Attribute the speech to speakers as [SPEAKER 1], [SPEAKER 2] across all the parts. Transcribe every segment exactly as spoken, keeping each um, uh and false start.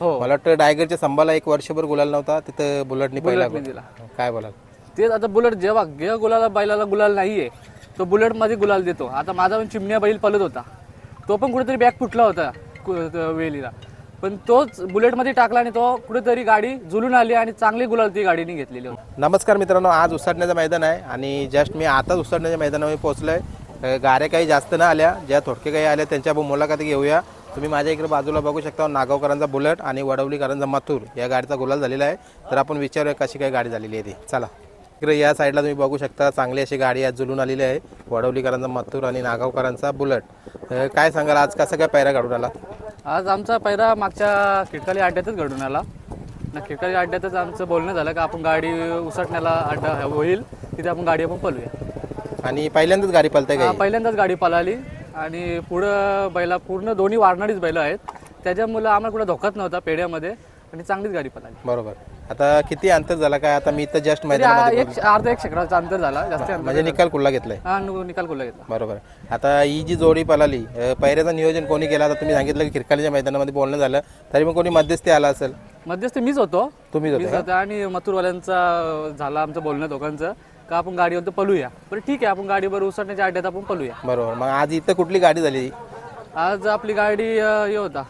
[SPEAKER 1] हो.
[SPEAKER 2] मला वाटतं डायगरच्या संभाला एक वर्षभर गुलाल नव्हता, तिथं बुलेटनी पहिला
[SPEAKER 1] बुलेटने
[SPEAKER 2] गुलाल.
[SPEAKER 1] दिला.
[SPEAKER 2] काय बोलाल?
[SPEAKER 1] तेच आता बुलेट जेव्हा गे गुलाला बैलाला गुलाल नाहीये तो बुलेटमध्ये गुलाल देतो. आता माझा पण चिमण्या बैल पळत होता, तो पण कुठेतरी बॅग फुटला होता कु- त- वेलीला, पण तोच बुलेटमध्ये टाकला आणि तो कुठेतरी गाडी झुलून आली आणि चांगली गुलाल ती गाडीने घेतलेली होती.
[SPEAKER 2] नमस्कार मित्रांनो, आज उसाटण्याचं मैदान आहे आणि जस्ट मी आताच उसाटण्याच्या मैदानावर पोहोचलोय. अ, गाड्या काही जास्त न आल्या, ज्या थोडके काही आल्या त्यांच्या मुलाखती घेऊया. तुम्ही माझ्या इकडे बाजूला बघू शकता नागावकरांचा बुलेट आणि वडवलीकरांचा मथुर या गाडीचा गुलाल झालेला आहे. तर आपण विचारूया कशी काय गाडी झालेली आहे ती. चला इकडे या साईडला तुम्ही बघू शकता चांगली अशी गाडी आज जुलून आलेली आहे. वडवलीकरांचा मथुर आणि नागावकरांचा बुलेट. अ, काय सांगाल आज कसं काय पैरा काढून आला?
[SPEAKER 1] आज आमचा पहिला मागच्या खिडकाली अड्ड्यातच घडून आला ना. खिडकाली अड्ड्यातच आमचं बोलणं झालं का आपण गाडी उसटण्याला अड्डा होईल तिथे आपण गाडी आपण पळूया.
[SPEAKER 2] आणि पहिल्यांदाच गाडी पळते
[SPEAKER 1] हा,
[SPEAKER 2] काय?
[SPEAKER 1] पहिल्यांदाच गाडी पळाली आणि पुढं बैला पूर्ण दोन्ही वाढणारीच बैलं आहेत, त्याच्यामुळे आम्हाला कुठं धोकाच नव्हता पेढ्यामध्ये आणि चांगलीच गाडी पळाली.
[SPEAKER 2] बरोबर. आता किती अंतर झाला काय? आता मी तर जस्ट
[SPEAKER 1] तरी
[SPEAKER 2] मैदानामध्ये
[SPEAKER 1] एक अर्धा एक शेकडाचा अंतर झाला, जास्त अंतर
[SPEAKER 2] म्हणजे निकाल कुठला घेतलाय?
[SPEAKER 1] हा नु- निकाल कुठला घेतला.
[SPEAKER 2] बरोबर. आता ही जी जोडी पळाली, अ, पहिऱ्याचं नियोजन कोणी केलं? आता तुम्ही सांगितलं की खिरकालीच्या मैदानामध्ये बोलणं झालं, तरी पण कोणी मध्यस्थी आला असेल?
[SPEAKER 1] मध्यस्थी मीच होतो
[SPEAKER 2] तुम्हीच होते
[SPEAKER 1] मीच
[SPEAKER 2] का?
[SPEAKER 1] होता आणि मथुरवाल्यांचा झाला आमचं बोलणं दोघांचं का आपण गाडीवर तर पळूया. बरं ठीक आहे, आपण गाडीवर उसटण्याच्या अड्ड्यात आपण पळूया.
[SPEAKER 2] बरोबर. मग आज इथं कुठली गाडी झाली?
[SPEAKER 1] आज आपली गाडी अं, हे होता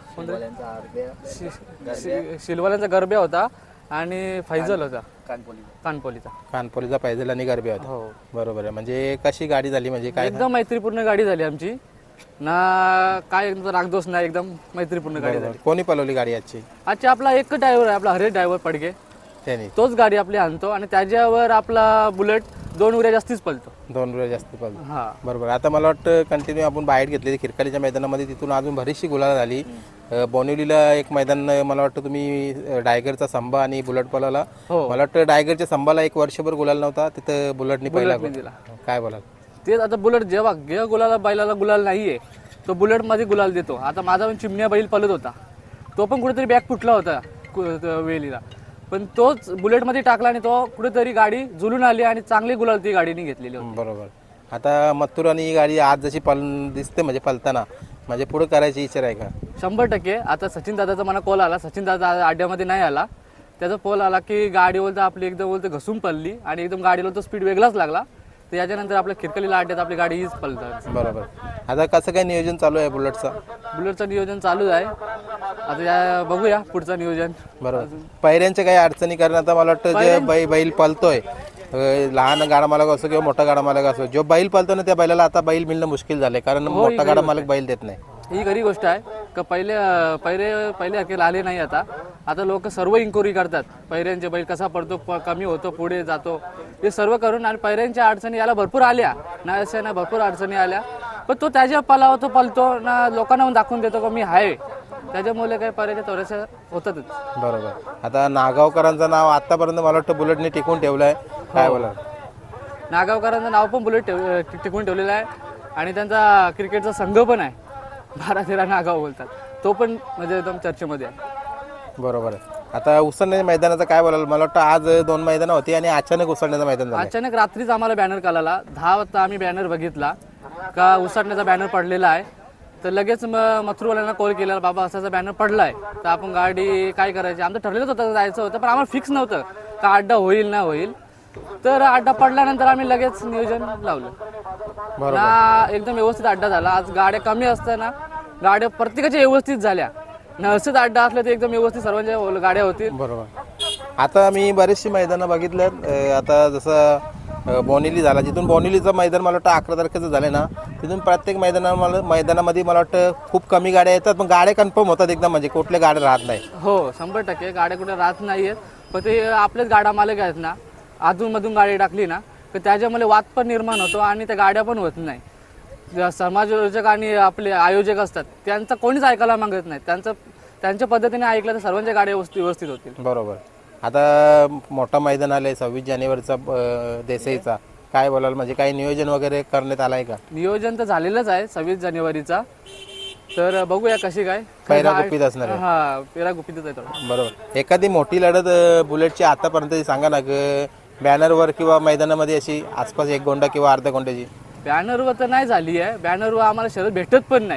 [SPEAKER 1] शि- शि- शिलवाल्यांचा गरब्या होता आणि फैजल होता कानपोलीचा.
[SPEAKER 2] कानपोलीचा पायझल आणि गरबे होता.
[SPEAKER 1] हो,
[SPEAKER 2] बरोबर आहे. म्हणजे कशी गाडी झाली म्हणजे काय?
[SPEAKER 1] एकदम मैत्रीपूर्ण गाडी झाली आमची ना, काय एकदम रागदोष नाही, एकदम मैत्रीपूर्ण गाडी झाली.
[SPEAKER 2] कोणी पळवली गाडी आजची?
[SPEAKER 1] आजची आपला एक ड्रायव्हर आहे, आपला हरेश ड्रायव्हर पडगे,
[SPEAKER 2] त्याने
[SPEAKER 1] तोच गाडी आपली आणतो आणि त्याच्यावर आपला बुलेट दोन उऱ्या जास्तीच पळतो.
[SPEAKER 2] दोन वेळा जास्त पळवली.
[SPEAKER 1] हा,
[SPEAKER 2] बरोबर. आता मला वाटतं कंटिन्यू आपण बाहेर घेतली खिरकालीच्या मैदानामध्ये, तिथून अजून बरीचशी गुलाल झाली. अ, बोनिवलीला एक मैदान मला वाटतं तुम्ही अ, डायगरचा संभा आणि बुलेट पळवला.
[SPEAKER 1] हो.
[SPEAKER 2] मला वाटतं डायगरच्या संभाला एक वर्षभर गुलाल नव्हता, तिथं बुलेटनी पहिला
[SPEAKER 1] बुलेटने दिला.
[SPEAKER 2] गुलाल. काय बोलाल?
[SPEAKER 1] तेच आता बुलेट जेव्हा गे गुलाला बैलाला गुलाल नाहीये तो बुलेटमध्ये गुलाल देतो. आता माझा पण चिमण्या बैल पळत होता, तो पण कुठेतरी बॅग फुटला होता कु- त- वेलीला, पण तोच बुलेटमध्ये टाकला आणि तो कुठेतरी गाडी झुलून आली आणि चांगली गुलाल ती गाडीने घेतलेली होती.
[SPEAKER 2] बरोबर. आता मथुर आणि ही गाडी आज जशी पल दिसते म्हणजे पलताना, म्हणजे पुढे करायची इच्छा आहे का?
[SPEAKER 1] शंभर टक्के. आता सचिन दादाचा मला कॉल आला, सचिन दादा अड्ड्यामध्ये नाही आला, त्याचा कॉल आला की गाडी बोलतं आपली एकदम बोलतं घसून पडली आणि एकदम गाडीला तो स्पीड वेगळाच लागला. तर याच्यानंतर आपल्या खिरकलीला अड्ड्यात आपली गाडी हीच पळतात.
[SPEAKER 2] बरोबर. आता कसं काय नियोजन चालू आहे बुलेटचं?
[SPEAKER 1] बुलेटचं नियोजन चालू आहे, आता या बघूया पुढचं नियोजन.
[SPEAKER 2] बरोबर. पायऱ्यांच्या काही अडचणी, कारण आता मला वाटतं जे बै बैल पळतोय, अ, लहान गाडा मालक असो किंवा मोठा गाडा मालक असो, जो बैल पळतो ना त्या बैलाला आता बैल मिळणं मुश्किल झालंय, कारण मोठा गाडा मालक बैल देत नाही.
[SPEAKER 1] ही खरी गोष्ट आहे का पहिले पहिले पहिले अखेर आले नाही. आता आता लोक सर्व इन्क्वायरी करतात पैऱ्यांचे बैल कसा पडतो, प- कमी होतो, पुढे जातो, हे सर्व करून. आणि पैऱ्यांच्या अडचणी याला भरपूर आल्या ना, अशा ना भरपूर अडचणी आल्या, पण तो त्याच्या पलाव तो पलतो ना, लोकांना दाखवून देतो का मी आहे, त्याच्यामुळे काही पैऱ्याच्या थोड्याशा होतातच.
[SPEAKER 2] बरोबर. आता नागावकरांचं नाव आतापर्यंत मला वाटतं बुलेटने टिकून ठेवलंय. काय बोला?
[SPEAKER 1] नागावकरांचं नाव पण बुलेट ठेव टिकून ठेवलेलं आहे आणि त्यांचा क्रिकेटचा संघ पण आहे, बारा तेरा नागाव बोलतात, तो पण म्हणजे एकदम चर्चेमध्ये आहे.
[SPEAKER 2] बरोबर आहे. आता उसळण्याच्या मैदानाचं काय बोलाल? मला वाटतं आज दोन मैदानं होती आणि अचानक उसळण्याचं मैदान झालं.
[SPEAKER 1] अचानक रात्रीच आम्हाला बॅनर कळाला, दहा वाजता आम्ही बॅनर बघितला का उसाटण्याचा बॅनर पडलेला आहे. तर लगेच मग मथुरवाल्यांना कॉल केला, बाबा असाचा बॅनर पडलाय, तर आपण गाडी काय करायची. आमचं ठरलेलंच होतं जायचं होतं, पण आम्हाला फिक्स नव्हतं का अड्डा होईल ना होईल. तर अड्डा पडल्यानंतर आम्ही लगेच नियोजन लावलं ना, एकदम व्यवस्थित अड्डा झाला. आज गाड्या कमी असताना गाड्या प्रत्येकाच्या व्यवस्थित झाल्या ना, असंच अड्डा असलं तर एकदम व्यवस्थित सर्वांच्या गाड्या होतील.
[SPEAKER 2] बरोबर. आता मी बरेचशी मैदानं बघितल्यात. अ, आता जसं अ, बोनिवली झाला, जिथून बोनिवलीचं मैदान मला वाटतं अकरा तारखेचं झालं ना, तिथून प्रत्येक मैदाना मला मैदानामध्ये मला वाटतं खूप कमी गाड्या येतात, पण गाड्या कन्फर्म होतात एकदम, म्हणजे कुठल्या गाड्या राहत नाही.
[SPEAKER 1] हो, शंभर टक्के गाड्या कुठे राहत नाहीयेत, पण ते आपलेच गाड्या मालक आहेत ना, अधूनमधून गाडी टाकली ना तर त्याच्यामुळे वाद पण निर्माण होतो आणि त्या गाड्या पण होत नाही. ज्या समाजयोजक आणि आपले आयोजक असतात त्यांचं कोणीच ऐकायला मागत नाही, त्यांचं त्यांच्या पद्धतीने ऐकलं तर सर्वांच्या गाड्या व्यवस्थित व्यवस्थित होतील.
[SPEAKER 2] बरोबर. आता मोठा मैदान आलंय सव्वीस जानेवारीचा अ, देसाईचा, काय बोलाल? म्हणजे काही नियोजन वगैरे करण्यात आलंय का?
[SPEAKER 1] नियोजन तर झालेलंच आहे सव्वीस जानेवारीचा, तर बघूया कशी काय
[SPEAKER 2] पैरा गुपित असणार आहे.
[SPEAKER 1] हा, पेरा गुपितच आहे थोडं.
[SPEAKER 2] बरोबर. एखादी मोठी लढत अ, बुलेटची आतापर्यंत सांगा ना, बॅनरवर किंवा मैदानामध्ये अशी आसपास एक गोंडा किंवा अर्धा गोंड्याची?
[SPEAKER 1] बॅनरवर तर नाही झाली आहे, बॅनरवर आम्हाला शरद भेटत पण नाही,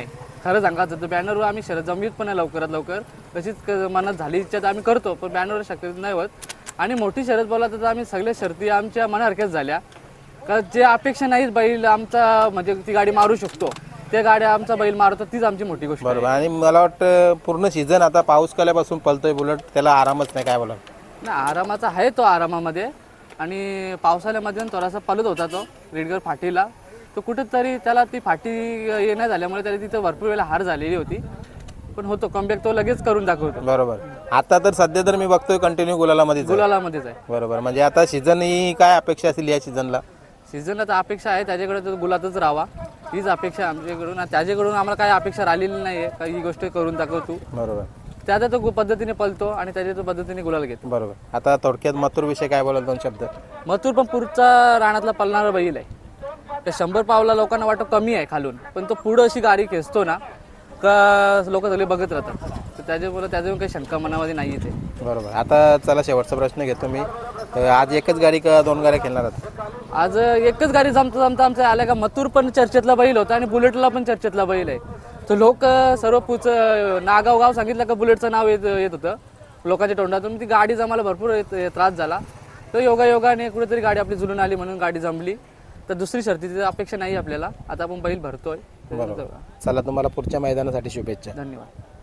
[SPEAKER 1] खरं सांगायचं तर बॅनरवर आम्ही शर्यत जमवीत पण आहे लवकरात लवकर, तशीच क- मनात झाली इच्छा तर आम्ही करतो, पण बॅनरवर शक्यतो नाही होत. आणि मोठी शर्यत बोला तर आम्ही सगळ्या शर्ती आमच्या मनासारख्याच झाल्या, का जे अपेक्षा नाहीत बैल आमचा म्हणजे ती गाडी मारू शकतो, त्या गाड्या आमचा बैल मारतो, तीच आमची मोठी गोष्ट आहे.
[SPEAKER 2] बरोबर. आणि मला वाटतं पूर्ण सीझन आता पाऊस काल्यापासून पलतोय बुलेट, त्याला आरामच नाही, काय बोला.
[SPEAKER 1] नाही आरामाचा आहे तो आरामामध्ये, आणि पावसाळ्यामध्ये थोडासा पलत होता तो रेडगर फाटीला, तो कुठेतरी त्याला ती फाटी येण्या झाल्यामुळे त्याला तिथं भरपूर वेळेला हार झालेली होती, पण होतो कमबॅक तो लगेच करून दाखवतो.
[SPEAKER 2] बरोबर. आता तर सध्या तर मी बघतोय कंटिन्यू गुलालामध्येच आहे.
[SPEAKER 1] गुलालामध्येच आहे.
[SPEAKER 2] बरोबर. म्हणजे आता सीझन ही काय अपेक्षा असेल या सीझनला?
[SPEAKER 1] सीझनला तर अपेक्षा आहे त्याच्याकडे तो गुलातच राहावा, हीच अपेक्षा आमच्याकडून. आणि त्याच्याकडून आम्हाला काही अपेक्षा राहिलेली नाही आहे का ही गोष्ट करून दाखव तू.
[SPEAKER 2] बरोबर.
[SPEAKER 1] त्याच्या तो पद्धतीने पलतो आणि त्याच्या तो पद्धतीने गुलाल घेतो.
[SPEAKER 2] बरोबर. आता थोडक्यात मथुर विषय काय बोलाल दोन शब्द?
[SPEAKER 1] मथुर पण पुढचा रानातला पलणारा बैल आहे. त्या शंभर पावला लोकांना वाटतं कमी आहे खालून, पण तो पुढं अशी गाडी खेचतो ना का लोक सगळे बघत राहतात, तर त्याच्यामुळे त्याच्यावर काही शंका मनामध्ये नाही येते.
[SPEAKER 2] बरोबर. आता चला शेवटचा प्रश्न घेतो मी. अं, आज एकच गाडी का दोन गाड्या खेळणार आहात?
[SPEAKER 1] आज एकच गाडी जमता जमता आमच्या आल्या का मथुर पण चर्चेतला बैल होता आणि बुलेटला पण चर्चेतला बैल आहे. तर लोक सर्व पुच नागाव गाव सांगितलं का बुलेटचं नाव येत येत होतं लोकांच्या तोंडातून. ती गाडी जमायला भरपूर येत- त्रास झाला, तर योगा योगाने कुठेतरी गाडी आपली जुळून आली म्हणून गाडी जमली. तर दुसरी शर्तीची अपेक्षा नाही आपल्याला, आता आपण बैल भरतोय.
[SPEAKER 2] बरोबर. चला, तुम्हाला पुढच्या मैदानासाठी शुभेच्छा.
[SPEAKER 1] धन्यवाद.